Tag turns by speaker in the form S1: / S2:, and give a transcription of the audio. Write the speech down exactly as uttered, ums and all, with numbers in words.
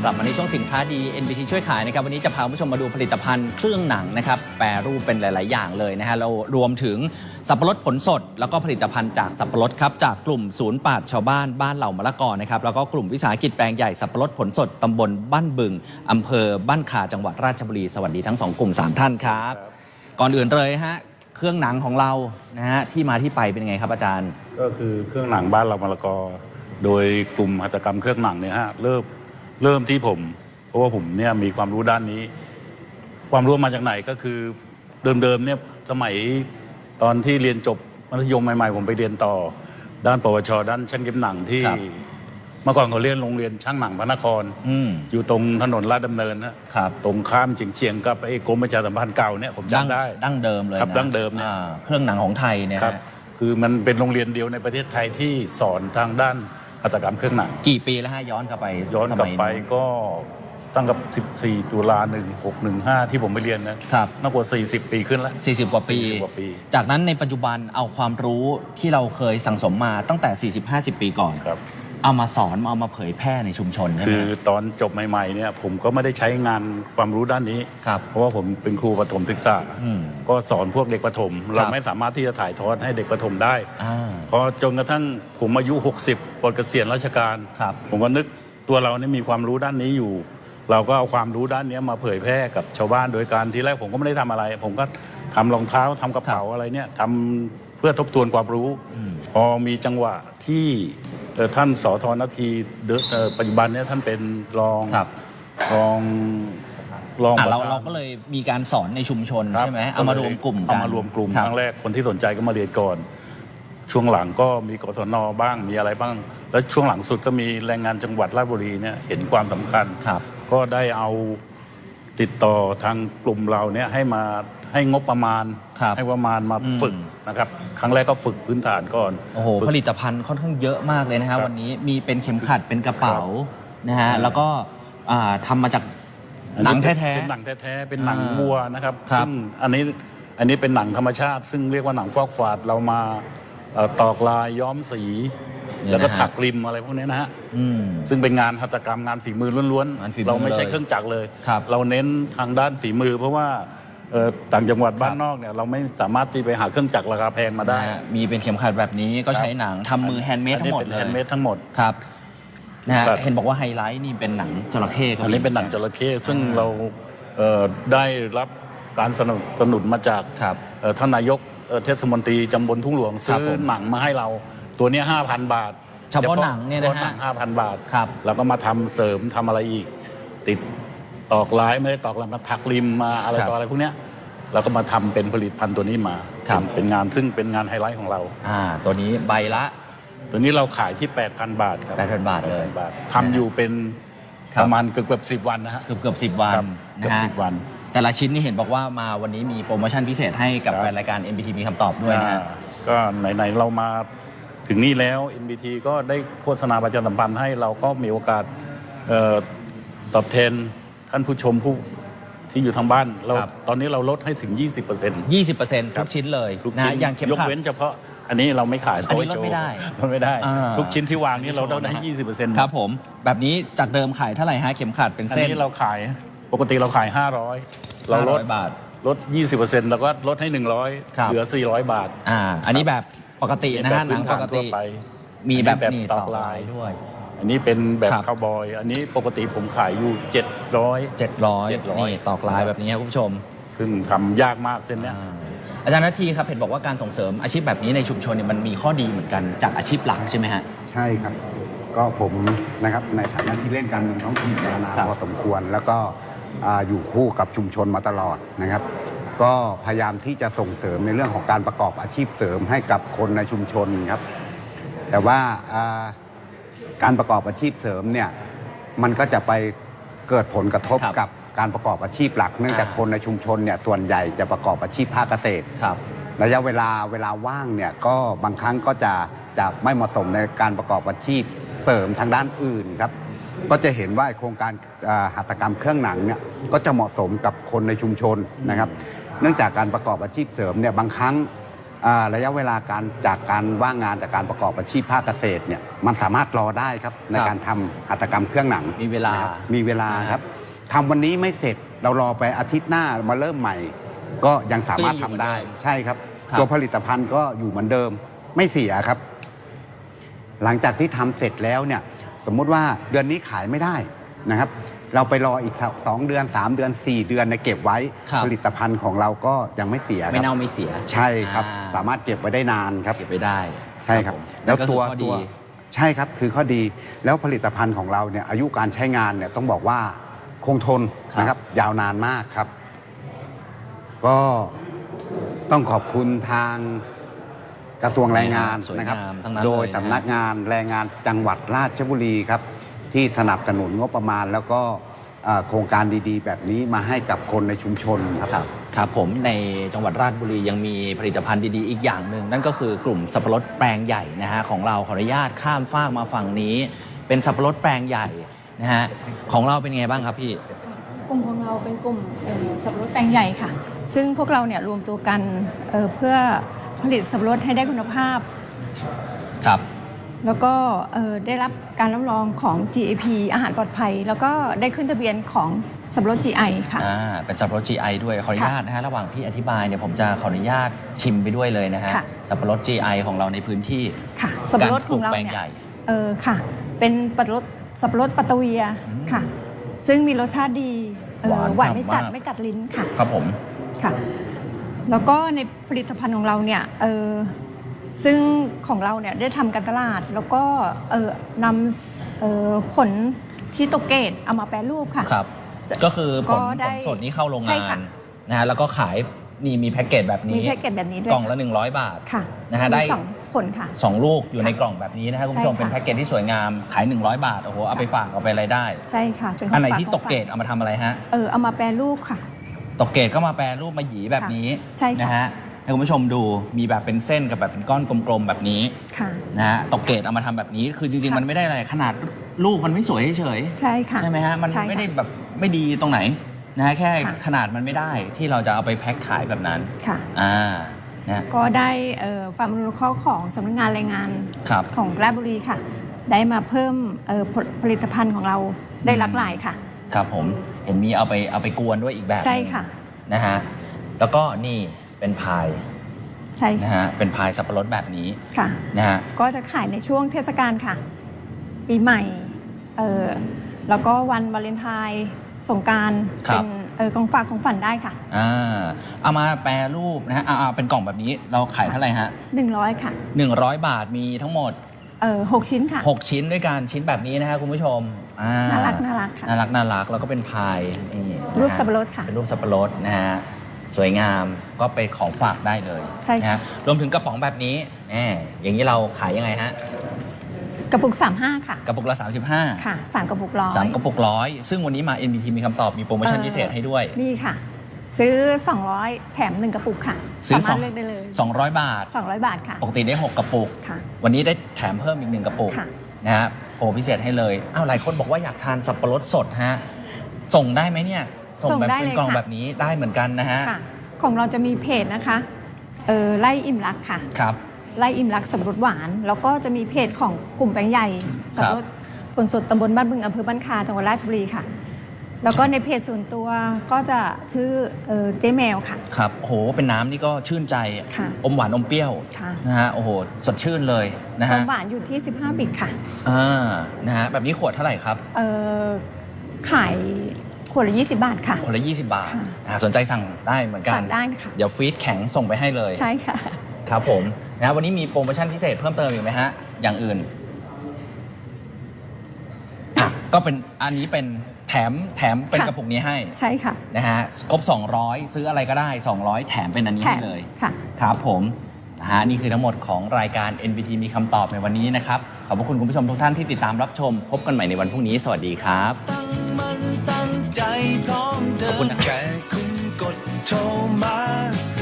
S1: กลับมาในช่วงสินค้าดี เอ็น บี ที ช่วยขายนะครับวันนี้จะพาคุณผู้ชมมาดูผลิตภัณฑ์เครื่องหนังนะครับแปรรูปเป็นหลายๆอย่างเลยนะฮะเรารวมถึงสับปะรดผลสดแล้วก็ผลิตภัณฑ์จากสับปะรดครับจากกลุ่มศูนย์ปราชญ์ชาวบ้านบ้านเหล่ามะละกอนะครับแล้วก็กลุ่มวิสาหกิจแปลงใหญ่สับปะรดผลสดตำบลบ้านบึงอำเภอบ้านขาจังหวัดราชบุรีสวัสดีทั้งสองกลุ่มสามท่านครับก่อนอื่นเลยฮะเครื่องหนังของเรานะฮะที่มาที่ไปเป็นยังไงครับอาจารย์
S2: ก็คือเครื่องหนังบ้านเรามะละกอโดยกลุ่มหัตถกรรมเครื่องหนังเนี่ยฮะเริ่มเริ่มที่ผมเพราะว่าผมเนี่ยมีความรู้ด้านนี้ความรู้มาจากไหนก็คือเดิมๆเนี่ยสมัยตอนที่เรียนจบมัธยมใหม่ๆผมไปเรียนต่อด้านปวชด้านช่างเย็บหนังที่เมื่อก่อนเขาเรียนโรงเรียนช่างหนังพระนคร อ, อยู่ตรงถนนลาดดำเนินนะครับตรงข้ามเฉียงเชียงกับไอ้กรมประชาสัมพันธ์เก่าเนี่ยผมจำได้
S1: ดั้งเดิมเลย
S2: ครับดั้งเดิมเนี่ย
S1: เครื่องหนังของไทยเนี่ย
S2: ครับคือมันเป็นโรงเรียนเดียวในประเทศไทยที่สอนทางด้านหัตถกรรมเครื่องหนัง
S1: กี่ปีแล้วฮะย้อนกลับไป
S2: ย้อนกลับไปก็ตั้งกับสิบสี่ตุลาหนึ่งหกหนึ่งห้าที่ผมไปเรียนนะครับน่ากว่าสี่สิบปีขึ้นแล้ว
S1: สี่สิบกว่าปีจากนั้นในปัจจุบันเอาความรู้ที่เราเคยสั่งสมมาตั้งแต่สี่สิบ ห้าสิบปีก่อนเอามาสอนเอามาเผยแพร่ในชุมชนใช่ไหม
S2: คือตอนจบใหม่ๆเนี่ยผมก็ไม่ได้ใช้งานความรู้ด้านนี้เพราะว่าผมเป็นครูประถมศึกษาก็สอนพวกเด็กประถมเราไม่สามารถที่จะถ่ายทอดให้เด็กประถมได้พอจนกระทั่งผมอายุหกสิบปลดเกษียณราชการผมก็นึกตัวเราเนี่ยมีความรู้ด้านนี้อยู่เราก็เอาความรู้ด้านนี้มาเผยแพร่กับชาวบ้านโดยการทีแรกผมก็ไม่ได้ทำอะไรผมก็ทำรองเท้าทำกระเป๋าอะไรเนี่ยทำเพื่อทบทวนความรู้พอมีจังหวะที่ท่านสทนาทีปัจจุบันเนี่ยท่านเป็นรองรอง
S1: รองเราเราก็เลยมีการสอนในชุมชนใช่ไหมเอามารวมกลุ่ม
S2: เอามารวมกลุ่มครั้งแรกคนที่สนใจก็มาเรียนก่อนช่วงหลังก็มีกศนบ้างมีอะไรบ้างแล้วช่วงหลังสุดก็มีแรงงานจังหวัดราชบุรีเนี่ยเห็นความสำคัญก็ได้เอาติดต่อทางกลุ่มเราเนี่ยให้มาให้งบประมาณให้ประมาณมาฝึกนะครับครั้งแรกก็ฝึกพื้นฐานก่อน
S1: โอ้โหผลิตภัณฑ์ค่อนข้างเยอะมากเลยนะฮะวันนี้มีเป็นเข็มขัดเป็นกระเป๋านะฮะแล้วก็ทำมาจากหนังแท้ๆ
S2: เป็นหนังแท้ๆเป็นหนังวัวนะครับซึ่งอันนี้อันนี้เป็นหนังธรรมชาติซึ่งเรียกว่าหนังฟอกฝาดเรามาตอกลายย้อมสีแล้วก็ถักริมอะไรพวกนี้นะฮะซึ่งเป็นงานหัตถกรรมงานฝีมือล้วนๆเราไม่ใช่เครื่องจักรเลยเราเน้นทางด้านฝีมือเพราะว่าต่างจังหวัดบ้านนอกเนี่ยเราไม่สามารถที่ไปหาเครื่องจักรราคาแพงมาได้
S1: มีเป็นเข็มขัดแบบนี้ก็ใช้หนังทำมือแฮนด์เมดทั้งหมดเลย
S2: แฮนด์เมดทั้งหมด
S1: ครับนะฮะเห็นบอกว่าไฮไลท์นี่เป็นหนังจระเข้
S2: อันนี้เป็นหนังจระเข้ซึ่งเราได้รับการสนับสนุนมาจากท่านนายกเทศมนตรีตำบลทุ่งหลวงซื้อหนังมาให้เราตัวนี้ ห้าพัน บาท
S1: เฉพาะหนังเนี่ยนะฮะ
S2: ห้าพัน บาทแล้วก็มาทำเสริมทำอะไรอีกติดตอกลายไม่ได้ตอกลายมาถักริมมาอะไรต่ออะไรพวกเนี้ยเราก็มาทำเป็นผลิตภัณฑ์ตัวนี้มาเป็นงานซึ่งเป็นงานไฮไลท์ของเรา
S1: อ่าตัวนี้ใบละ
S2: ตัวนี้เราขายที่ แปดพัน บาทครับ
S1: แปดพัน บาทเลย
S2: ทำอยู่เป็นประมาณเกือบเกือบสิบวันนะฮะ
S1: เกือบเกือบสิบวัน
S2: เกือบสิบวัน
S1: แต่ละชิ้นนี่เห็นบอกว่ามาวันนี้มีโปรโมชั่นพิเศษให้กับแฟนรายการ เอ็น บี ที มีคำตอบด้วยนะฮะ
S2: ก็ไหนๆเรามาถึงนี่แล้ว เอ็น บี ที ก็ได้โฆษณาประชาสัมพันธ์ให้เราก็มีโอกาสตอบแทนท่านผู้ชมผู้ที่อยู่ทางบ้านเราตอนนี้เราลดให้ถึง ยี่สิบเปอร์เซ็นต์
S1: ยี่สิบเปอร์เซ็นต์ ทุกชิ้นเลยนะอย่างเข็มขัด
S2: ยกเว้นเฉพาะอันนี้เราไม่ขาย
S1: อันนี้ลดไม่ได้
S2: ลดไม่ได้ทุกชิ้นที่วางนี่เราลดให้ ยี่สิบเปอร์เซ็นต์
S1: ครับผมแบบนี้จากเดิมขายเท่าไหร่ฮะเข็มขัดเป็นเส้น
S2: อันนี้เราขายปกติเราขายห้าร้อยเราลด
S1: บาท
S2: ลด ยี่สิบเปอร์เซ็นต์ แล้วก็ลดให้หนึ่งร้อยเหลือสี่ร้อยบาท
S1: อ่าอันนี้แบบปกตินะฮะหนังปกติมีแบบนี้ตอกลายด้วย
S2: อันนี้เป็นแบบคาวบอยอันนี้ปกติผมขายอยู่เจ็ดร้อย
S1: เจ็ดร้อยนี่ตอกลายแบบนี้ครับคุณผู้ชม
S2: ซึ่งทำยากมากเส้นเนี้ย
S1: อาจารย์นาทีครับเห็นบอกว่าการส่งเสริมอาชีพแบบนี้ในชุมชนเนี่ยมันมีข้อดีเหมือนกันจากอาชีพหลักใช่ไหมฮะ
S3: ใช่ครับก็ผมนะครับในฐานะที่เล่นการเมืองท้องถิ่นมานานพอสมควรแล้วก็อยู่คู่กับชุมชนมาตลอดนะครับก็พยายามที่จะส่งเสริมในเรื่องของการประกอบอาชีพเสริมให้กับคนในชุมชนครับแต่ว่าการประกอบอาชีพเสริมเนี่ยมันก็จะไปเกิดผลกระทบกับการประกอบอาชีพหลักเนื่องจากคนในชุมชนเนี่ยส่วนใหญ่จะประกอบอาชีพภาคเกษตรระยะเวลาเวลาว่างเนี่ยก็บางครั้งก็จะจะไม่เหมาะสมในการประกอบอาชีพเสริมทางด้านอื่นครับก็จะเห็นว่าโครงการหัตถกรรมเครื่องหนังเนี่ยก็จะเหมาะสมกับคนในชุมชนนะครับเนื่องจากการประกอบอาชีพเสริมเนี่ยบางครั้งอ่าระยะเวลาการจากการว่างงานจากการประกอบอาชีพภาคเกษตรเนี่ยมันสามารถรอได้ครับในการทำหัตถกรรมเครื่องหนัง
S1: มีเวลา
S3: นะครับมีเวลาครับทำวันนี้ไม่เสร็จเรารอไปอาทิตย์หน้ามาเริ่มใหม่ ก็ยังสามารถทำได้ใช่ครับ ตัวผลิตภัณฑ์ก็อยู่เหมือนเดิมไม่เสียครับ หลังจากที่ทำเสร็จแล้วเนี่ยสมมุติว่าเดือนนี้ขายไม่ได้นะครับ เราไปรออีกสองเดือนสามเดือนสี่เดือนเนี่ยเก็บไว้
S1: ครับ
S3: ผลิตภัณฑ์ของเราก็ยังไม่เสียครับ
S1: ไม่เน่าไม่เสีย
S3: ใช่ครับ
S1: อ่า
S3: สามารถเก็บไว้ได้นานครับ
S1: เก็บไว้ได้
S3: ใช่ครับ
S1: ผม
S3: แล้ว
S1: ก็คือ
S3: ตัว
S1: ข้อ
S3: ตั
S1: ดี
S3: วใช่ครับคือข้อดีแล้วผลิตภัณฑ์ของเราเนี่ยอายุการใช้งานเนี่ยต้องบอกว่าคงทนนะครับยาวนานมากครับ ก็ต้องขอบคุณทางกระทรวงแรงงาน
S1: สวย
S3: นะครับ
S1: งามทั้งนั้น
S3: โดย
S1: เลยนะ
S3: สำนักงานแรงงานจังหวัดราชบุรีครับ ที่สนับสนุนงบประมาณ แล้วก็เอ่อโครงการดีๆ แบบนี้มาให้กับคนในชุมชนครับ
S1: ครับครับผมในจังหวัดราชบุรียังมีผลิตภัณฑ์ดีๆอีกอย่างหนึ่งนั่นก็คือกลุ่มสับปะรดแปลงใหญ่นะฮะของเราขออนุญาตข้ามฟากมาฝั่งนี้ เป็นสับปะรดแปลงใหญ่นะฮะของเราเป็นไงบ้างครับพี่
S4: กลุ่มของเราเป็นกลุ่มเอ่อสับปะรดแปลงใหญ่ค่ะ ซึ่งพวกเราเนี่ยรวมตัวกันเอ่อเพื่อผลิตสับปะรดให้ได้คุณภาพ
S1: ครับ
S4: แล้วก็เอ่อได้รับการรับรองของ จี เอ พี อาหารปลอดภัย แล้วก็ได้ขึ้นทะเบียนของสับปะรด จี ไอ ค่ะ
S1: อ่าเป็นสับปะรด จี ไอ ด้วยขออนุญาตนะฮะระหว่างพี่อธิบายเนี่ยผมจะขออนุญาตชิมไปด้วยเลยนะฮะ
S4: ค่ะ
S1: สับปะรด จี ไอ ของเราในพื้นที่
S4: ค่ะ สับปะรดของเรา
S1: การปลูกแปลง
S4: เนี่ย
S1: ใหญ่
S4: เออค่ะ เป็นสับปะรดสับปะรดปัตตะเวียค่ะ ซึ่งมีรสชาติดีเอ่อ
S1: หวาน
S4: หวานไม่จัด
S1: มาก
S4: ไม่กัดลิ้นค่ะ
S1: ครับผม
S4: ค่ะ แล้วก็ในผลิตภัณฑ์ของเราเนี่ยเออซึ่งของเราเนี่ยได้ทำการตลาด แล้วก็เออนำเอ่อผลที่ตกเกตเอามาแปรรูปค่ะ
S1: ครับ ก็คือผ
S4: ก็
S1: ล
S4: ได้
S1: ผลสดนี้เข้าโรง
S4: ใช่
S1: งา
S4: ค่ะ
S1: นนะฮะแล้วก็ขายนี่มีแพ็กเกจแบบนี้
S4: มีแพ็กเกจแบบนี้ด้วย
S1: กล่องละหนึ่งร้อยบาท
S4: ค่ะ
S1: นะฮะได้
S4: มีสองผลค่ะ
S1: สองลูกอยู่ในกล่องแบบนี้นะครับคุณผู้ชม
S4: ใช่ค่ะ
S1: เป็นแพ็กเกจที่สวยงามขายหนึ่งร้อยบาทโอ้โหเอาไปฝากเอาไปอะไรได้
S4: ใช่ค่ะเป็ขง
S1: อันไหน
S4: ฝา
S1: ที่
S4: ของ
S1: ตกเกรด
S4: ฝา
S1: เอามาทำอะไรฮะ
S4: เออเอามาแปรรูปค่ะ
S1: ตกเกรดก็มาแปรรูปมาหยีแบบนี้
S4: ใช่ค่ะ
S1: นะฮะให้คุณผู้ชมดูมีแบบเป็นเส้นกับแบบเป็นก้อนกลมๆแบบนี้
S4: ค่ะ
S1: นะฮะตกเกรดเอามาทำแบบนี้ คือจริงๆ
S4: ค่ะ
S1: มันไม่ได้อะไรขนาดลูกมันไม่สวยเฉย
S4: ใช่ค่ะ
S1: ๆใช่ไหมฮะมัน
S4: ใช่ค่ะ
S1: ไม่ได้แบบไม่ดีตรงไหนนะฮะแค่
S4: ค่ะ
S1: ขนาดมันไม่ได้ที่เราจะเอาไปแพ็คขายแบบนั้น
S4: ค่ะ
S1: อ่านะ
S4: ก็ได้เอ่อความอนุเคราะห์ของสำนักงานแรงงาน
S1: ครับ
S4: ของราชบุรีค่ะ ได้มาเพิ่มเอ่อผลผลิตภัณฑ์ของเราได้หลากหลายค่ะ
S1: ครับผมเห็นมีเอาไปเอาไปกวนด้วยอีกแบบหนึ่ง
S4: ใช่ค่ะ
S1: นะฮะแล้วก็นี่เป็นพาย
S4: ใช่
S1: นะ
S4: ค่ะ
S1: ฮะเป็นพายสับปะรดแบบนี้
S4: ค่ะ
S1: นะฮะ
S4: ก็จะขายในช่วงเทศกาลค่ะ ปีใหม่เออแล้วก็วันวาเลนไทน์สงกรารเป็นเออกองฝากของฝันได้ค่ะ
S1: อ่าเอามาแปรรูปนะฮะเอาเอาเป็นกล่องแบบนี้เราขายเท่าไหร่ฮะ
S4: หนึ่งร้อยค่ะ
S1: หนึ่งร้อยบาทมีทั้งหมด
S4: เออหกชิ้นค่ะ
S1: หกชิ้นด้วยกันชิ้นแบบนี้นะฮะคุณผู้ชมอ่
S4: น่ารักน่ารักค่ะ
S1: น่ารักน่ารักแล้วก็เป็นพายนี่นะฮะ
S4: รูปสับปะรดค่ะ
S1: เป็นรูปสับปะรดนะฮะสวยงามก็ไปของฝากได้เลย
S4: ใช่ค่ะ
S1: นะฮะรวมถึงกระป๋องแบบนี้แหมอย่างนี้เราขายยังไงฮะ
S4: กระปุกสามห้าค่ะ
S1: กระปุกละสามสิบห้า
S4: ค่ะสามกระปุกร้อย
S1: สามกระปุกร้อยซึ่งวันนี้มา เอ็น บี ที มีคำตอบมีโปรโมชั่นพิเศษให้ด้วย
S4: นี่ค่ะ ซื้อ สองร้อย แถมหนึ่งกระปุกค่ะ
S1: ซื้อ
S4: สามารถเลือกได้เลย
S1: สองร้อยบาท
S4: สองร้อยบาทค่ะ
S1: ปกติได้หกกระปุก
S4: ค่ะ
S1: วันนี้ได้แถมเพิ่มอีกหนึ่งกระปุก
S4: ค่ะ
S1: นะฮะโปรพิเศษให้เลยอ้าวหลายคนบอกว่าอยากทานสับปะรดสดฮะส่งได้ไหมเนี่ยส่ง
S4: ส่ง
S1: แบบ
S4: ได้
S1: เป็น
S4: เลย
S1: กล่อง
S4: ค่ะ
S1: แบบนี้ได้เหมือนกันนะฮะ
S4: ค่ะ ของเราจะมีเพจนะคะเออไล่อิ่มรักค่ะ
S1: ครับ
S4: ไล่อิ่มรักสับปะรดหวาน แล้วก็จะมีเพจของกลุ่มแปลงใหญ่สับปะรดผลสดตำบลบ้านบึงอำเภอบ้านคาจังหวัดราชบุรีค่ะ แล้วก็ในเพจส่วนตัวก็จะชื่อเออเจ๊แมวค่ะ
S1: ครับโอ้โหเป็นน้ำนี่ก็ชื่นใจ
S4: ค่ะ
S1: อมหวานอมเปรี้ยว
S4: ค่ะ
S1: นะฮะโอ้โหสดชื่นเลยนะ
S4: ค
S1: ฮะ
S4: วามหวานอยู่ที่ สิบห้า บิตค่ะ
S1: อ่านะฮะแบบนี้ขวดเท่าไหร่ครับ
S4: เออขายขวดละยี่สิบบาทค่ะ
S1: คนละยี่สิบบาท
S4: ค่ะ
S1: อ่าสนใจสั่งได้เหมือนกัน
S4: สั่งได้ค่ะ
S1: เดี๋ยวฟรีดแข็งส่งไปให้เลย
S4: ใช่ค่ะ
S1: ครับผมนะวันนี้มีโปรโมชั่นพิเศษเพิ่มเติมอีกไหมฮะ อย่างอื่นอ่ะก็เป็นอันนี้เป็นแถมแถมเป็น
S4: ค่ะ
S1: กระปุกนี้ให้
S4: ใช่ค่ะ
S1: นะฮะครบ สองร้อย ซื้ออะไรก็ได้ สองร้อย แถมเป็นอันนี้
S4: แถ
S1: ให้
S4: ม
S1: เลย
S4: ค่ะ
S1: ครับผมนะฮะนี่คือทั้งหมดของรายการ เอ็น บี ที มีคำตอบในวันนี้นะครับ ขอบพระคุณคุณผู้ชมทุกท่านที่ติดตามรับชม พบกันใหม่ในวันพรุ่งนี้ สวัสดีครับ
S5: ตั้งมันตั้งใจพร้อมเดิ
S1: ขอบคุณ
S5: น
S1: นะครับ
S5: แค่คุณกดโทรมา